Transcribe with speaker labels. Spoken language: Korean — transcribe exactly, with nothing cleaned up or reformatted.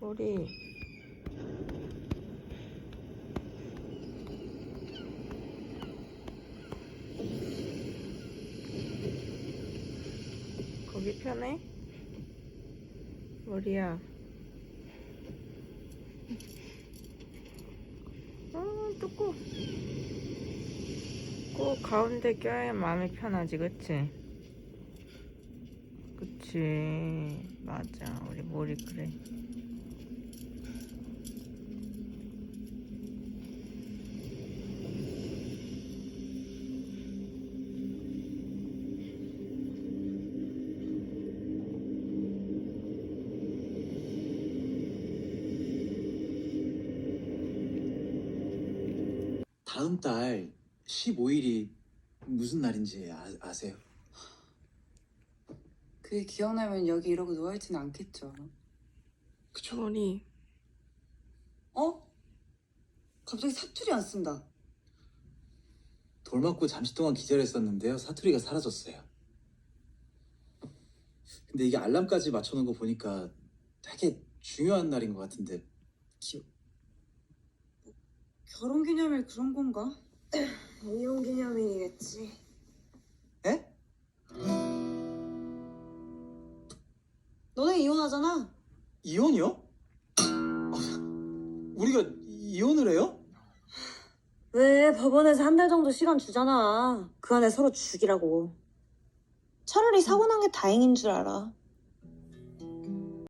Speaker 1: 머리. 거기 편해? 머리야. 어, 뚜꾸. 꼭 가운데 껴야 마음이 편하지, 그치? 그치. 맞아. 우리 머리 그래.
Speaker 2: 다음 달 십오 일이 무슨 날인지 아, 아세요?
Speaker 3: 그게 기억나면 여기 이러고 누워있지는 않겠죠.
Speaker 2: 그쵸?
Speaker 1: 머리.
Speaker 3: 어? 갑자기 사투리 안 쓴다.
Speaker 2: 돌 맞고 잠시 동안 기절했었는데요. 사투리가 사라졌어요. 근데 이게 알람까지 맞춰놓은 거 보니까 되게 중요한 날인 것 같은데 기억...
Speaker 3: 결혼기념일 그런 건가? 이혼기념일이겠지.
Speaker 2: 에?
Speaker 3: 너네 이혼하잖아.
Speaker 2: 이혼이요? 어, 우리가 이혼을 해요?
Speaker 4: 왜 법원에서 한 달 정도 시간 주잖아. 그 안에 서로 죽이라고. 차라리 사고 난 게 다행인 줄 알아.